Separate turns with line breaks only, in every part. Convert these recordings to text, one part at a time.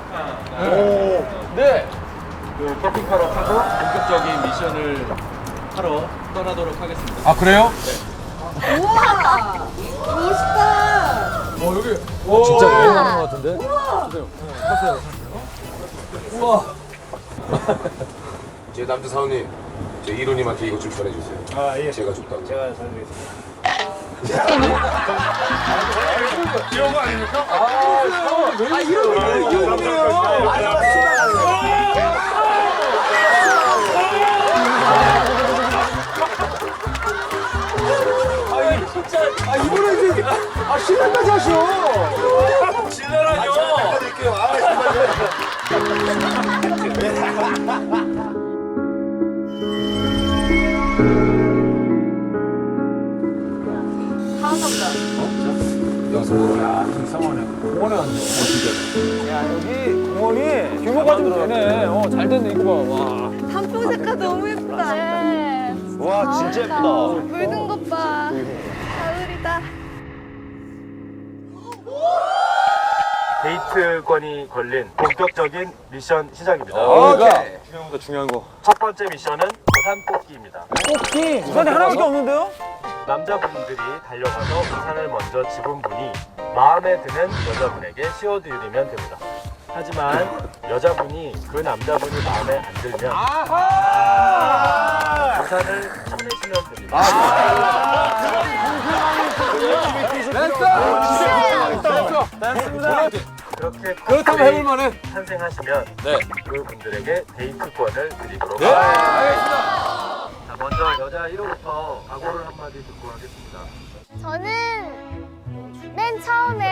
오. 네.
그 커피카로 타고 본격적인 미션을 하러 떠나도록 하겠습니다.
아 그래요?
우와! 멋있다!
여기
진짜 여행하는 것 같은데?
제 남자 사원님, 제 이로님한테 이것 좀 전해주세요.
아, 예.
제가 줬다고.
제가 전해드리겠습니다.
이런 거 아닙니까?
신랑까지 하셔.
진짜라뇨.
야, 여기 공원이 규모가 좀 되네. 잘 됐네, 이거 봐. 와.
단풍 색깔 너무 예쁘다. 네.
와, 진짜 예쁘다.
물든 것 봐. 가을이다.
데이트권이 걸린 본격적인 미션 시작입니다.
오케이.
중요한 거, 중요한 거.
첫 번째 미션은 우산 뽑기입니다.
뽑기. 우산이 하나밖에 없는데요?
남자분들이 달려가서 우산을 먼저 집은 분이 마음에 드는 여자분에게 씌워드리면 됩니다. 하지만 여자분이 그 남자분이 마음에 안 들면 우산을 쳐내시면 됩니다. 그렇게
그렇다면 해볼만해.
탄생하시면
네.
그분들에게 데이트권을 드리도록
네.
하겠습니다. 자, 먼저 여자 1호부터 각오를 한마디 듣고 하겠습니다.
저는 맨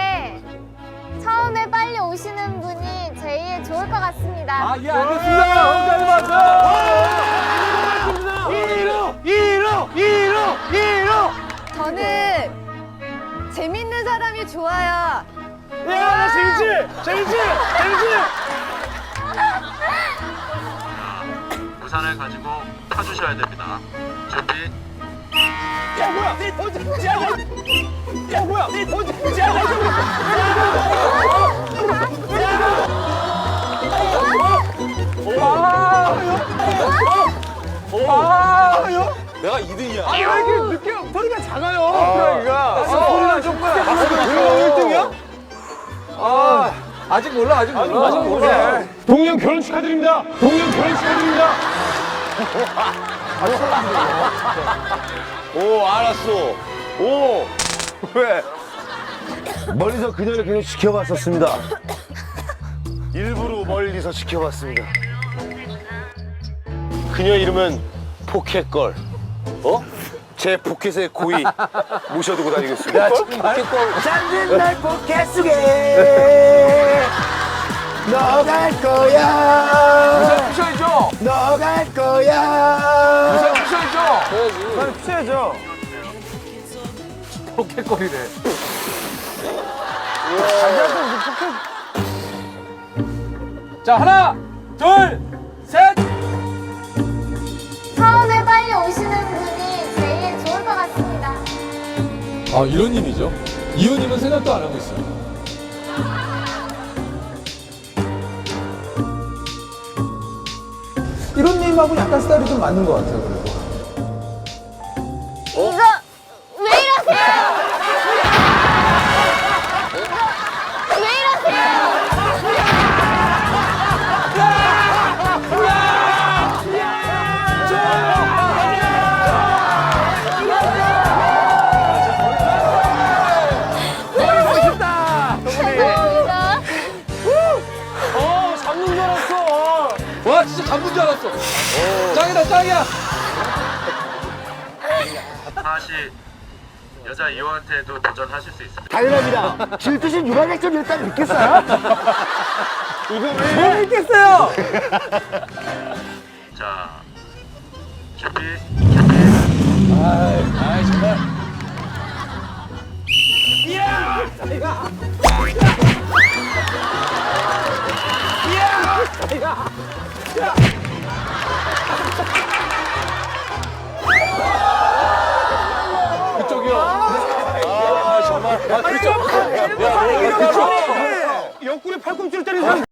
처음에 빨리 오시는 분이 제일 좋을 것 같습니다.
예, 알겠습니다. 혼자 맞아. 1호!
저는 재밌는 사람이 좋아요.
야, 재밌지?
우산을 가지고 타주셔야 됩니다. 준비.
야, 뭐야?
내가 2등이야.
왜 이렇게 늦게 소리가 작아요? 그러니까. 소리가 좀 크게. 아, 1등이야? 아직 몰라.
동영 결혼 축하드립니다. 오, 알았어. 오, 왜? 멀리서 그녀를 계속 지켜봤었습니다. 일부러 멀리서 지켜봤습니다. 그녀 이름은 포켓걸. 어? 제 포켓에 고이 모셔두고 다니겠습니다. 잠든 날 포켓 속에 너 갈 거야.
우산 피셔야죠.
너 갈 거야.
우산 피셔야죠.
난 피해야죠.
포켓거리래. 자 하나, 둘, 셋.
처음에 빨리 오시는 분이 제일 좋을 것 같습니다.
아 이호님이죠. 이호님은 생각도 안 하고 있어요.
이론님하고 약간 스타일이 좀 맞는 것 같아요. 그래도.
이거 왜 이러세요? 이거 왜 이러세요? 죄송합니다.
잡는 줄 알았어.
와 진짜 잡은 줄 알았어. 짱이다 짱이야.
다시 여자 2호한테도 도전하실 수 있습니다.
당연합니다. 질투심 유발작전 일단 믿겠어요? 이거
왜 있겠어요?
자, 준비.
아이 정말. 그쪽이요. 아 정말. 아 그쪽. 야,
옆구리 팔꿈치를 때리는 사람